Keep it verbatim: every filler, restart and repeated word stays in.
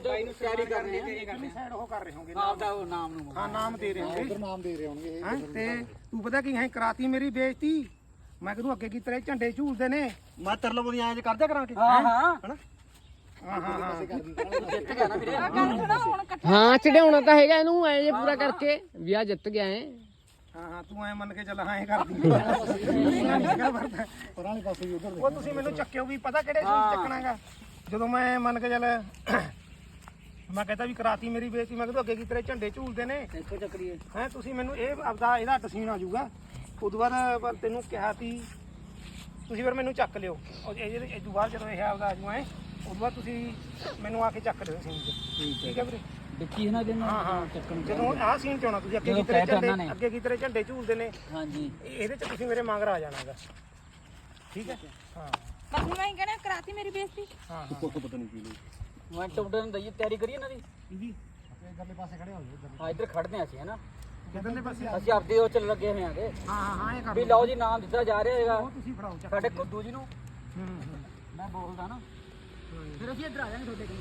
ਤਿਆਰੀ ਕਰ ਰਹੇ ਹਾਂ ਸਾਈਡ ਉਹ ਕਰ ਰਹੇ ਹੋਗੇ ਆਪਦਾ ਉਹ ਨਾਮ ਨੂੰ ਹਾਂ ਨਾਮ ਦੇ ਰਹੇ ਹੋਗੇ ਉਧਰ ਨਾਮ ਦੇ ਰਹੇ ਹੋਣਗੇ ਹਾਂ ਤੇ ਤੂੰ ਪਤਾ ਕੀ ਹੈ ਕਰਾਤੀ ਮੇਰੀ ਬੇਇੱਜ਼ਤੀ ਮੈਂ ਕਿਹਨੂੰ ਅੱਗੇ ਕੀ ਤੇਰੇ ਝੰਡੇ ਝੂਲਦੇ ਨੇ ਮੈਂ ਤੇਰੇ ਲੋਕ ਐਂ ਕਰਦਿਆ ਕਰਾਂਗੇ ਹਾਂ ਹਾਂ ਹਨਾ ਹਾਂ ਹਾਂ ਹਾਂ ਜਿੱਤ ਗਿਆ ਨਾ ਵੀਰੇ ਹਾਂ ਚੜਾਉਣਾ ਤਾਂ ਹੈਗਾ ਇਹਨੂੰ ਐ ਜੇ ਪੂਰਾ ਕਰਕੇ ਵਿਆਹ ਜਿੱਤ ਗਿਆ ਐ ਹਾਂ ਹਾਂ ਤੂੰ ਐ ਮੰਨ ਕੇ ਚੱਲ ਹਾਂ ਐ ਕਰਦੀ ਪਰਾਲੇ ਪਾਸੇ ਵੀ ਉਧਰ ਉਹ ਤੁਸੀਂ ਮੈਨੂੰ ਚੱਕਿਓ ਵੀ ਪਤਾ ਕਿਹੜੇ ਸੂਟ ਚੱਕਣਾਗਾ ਜਦੋਂ ਮੈਂ ਮੰਨ ਕੇ ਚੱਲ ਮੈਂ ਕਹਿੰਦਾ ਵੀ ਕਰਾਤੀ ਮੇਰੀ ਬੇਇੱਜ਼ਤੀ ਮੈਂ ਕਿਹਾ ਅੱਗੇ ਕੀ ਤੇਰੇ ਝੰਡੇ ਝੂਲਦੇ ਨੇ ਇੱਕੋ ਚੱਕਰੀਏ ਹੈ ਤੁਸੀਂ ਮੈਨੂੰ ਇਹ ਆਪਦਾ ਇਹਦਾ ਤਸੀਨ ਆ ਜਾਊਗਾ ਉਦੋਂ ਬਾਅਦ ਤੈਨੂੰ ਕਿਹਾ ਸੀ ਤੁਸੀਂ ਫਿਰ ਮੈਨੂੰ ਚੱਕ ਲਿਓ ਇਹ ਤੋਂ ਬਾਅਦ ਜਦੋਂ ਇਹ ਆਪਦਾ ਆ ਜੂ ਐ ਉਦੋਂ ਬਾਅਦ ਤੁਸੀਂ ਮੈਨੂੰ ਆ ਕੇ ਚੱਕ ਲਿਓ ਸੀਨ 'ਚ ਠੀਕ ਹੈ ਵੀਰੇ ਵਿੱਕੀ ਇਹਨਾਂ ਦੇ ਹਾਂ ਹਾਂ ਚੱਕਣ ਜਦੋਂ ਆਹ ਸੀਨ 'ਚ ਆਉਣਾ ਤੁਸੀਂ ਅੱਗੇ ਕੀ ਤੇਰੇ ਝੰਡੇ ਅੱਗੇ ਕੀ ਤੇਰੇ ਝੰਡੇ ਝੂਲਦੇ ਨੇ ਹਾਂਜੀ ਇਹਦੇ 'ਚ ਤੁਸੀਂ ਮੇਰੇ ਮਗਰ ਆ ਜਾਣਾਗਾ ਠੀਕ ਹੈ ਹਾਂ ਬਸ ਹੁਣ ਮੈਂ ਹੀ ਕਹਿਣਾ ਕਰਾਤੀ ਮੇਰੀ ਬੇਇੱਜ਼ਤੀ ਹਾਂ ਹਾਂ ਪਤਾ ਨਹੀਂ ਕੀ ਲਈ ਮੈਂ ਟੁੱਟਣ ਨੂੰ ਦਈਏ ਤਿਆਰੀ ਕਰੀਏ ਇਹਨਾਂ ਦੀ ਇਹਦੀ ਇਧਰਲੇ ਪਾਸੇ ਖੜੇ ਹੋ ਜਾਓ ਹਾਂ ਇੱਧਰ ਖੜਦੇ ਹਾਂ ਅਸੀਂ ਹੈ ਨਾ ਕਿੱਧਰਲੇ ਪਾਸੇ ਅਸੀਂ ਆਪਦੇ ਉਹ ਚੱਲ ਲੱਗੇ ਹੋਏ ਆਂਗੇ ਹਾਂ ਹਾਂ ਹਾਂ ਇਹ ਕਰ ਵੀ ਲਓ ਜੀ ਨਾਮ ਦਿੱਤਾ ਜਾ ਰਿਹਾ ਹੈਗਾ ਉਹ ਤੁਸੀਂ ਫੜਾਓ ਚੱਕ ਸਾਡੇ ਕੁੱਦੂ ਜੀ ਨੂੰ ਹੂੰ ਹੂੰ ਮੈਂ ਬੋਲਦਾ ਨਾ ਫਿਰ ਅਸੀਂ ਇੱਧਰ ਆ ਜਾਾਂਗੇ ਤੁਹਾਡੇ ਕੋਲ